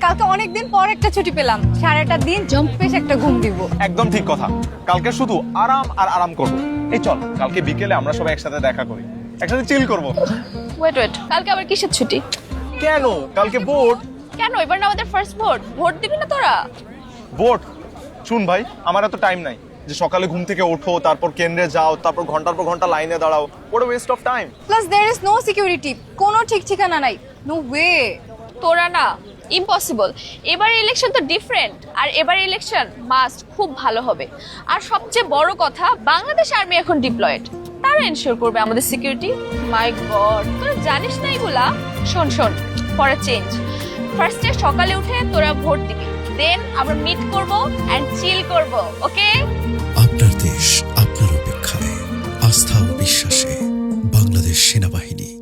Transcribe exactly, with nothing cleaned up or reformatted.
কালকে অনেকদিন পর একটা ছুটি পেলাম, সারাটা দিন জম্পেশ একটা ঘুম দিব। একদম ঠিক কথা। কালকে শুধু আরাম আর আরাম করব। এই চল কালকে বিকেলে আমরা সবাই একসাথে দেখা করি, একসাথে চিল করব। ওয়েট ওয়েট কালকে আবার কিসের ছুটি? কেন? কালকে ভোট। কেন? এবার না আমাদের ফার্স্ট ভোট, ভোট দিবি না তোরা? ভোট? শুন ভাই, আমার এত টাইম নাই যে সকালে ঘুম থেকে ওঠো, তারপর কেন্দ্রে যাও, তারপর ঘন্টার পর ঘন্টা লাইনে দাঁড়াও। What a waste of time. Plus there is no security, কোনো ঠিক ঠিকানা নাই। No way. তোরা না, ইম্পসিবল। এবার ইলেকশন তো ডিফারেন্ট, আর এবার ইলেকশন মাস্ট খুব ভালো হবে। আর সবচেয়ে বড় কথা, বাংলাদেশ আর্মি এখন ডিপ্লয়েড, তারা এনশিওর করবে আমাদের সিকিউরিটি। মাই গড, তোরা জানিস না এগুলা? শোন শোন, ফর আ চেঞ্জ, ফার্স্টে সকালে উঠে তোরা ভোট দিবি, দেন আমরা মিট করব এন্ড চিল করব, ওকে? আপনার দেশ আপনার অপেক্ষায়, আস্থা ও বিশ্বাসে বাংলাদেশ সেনাবাহিনী।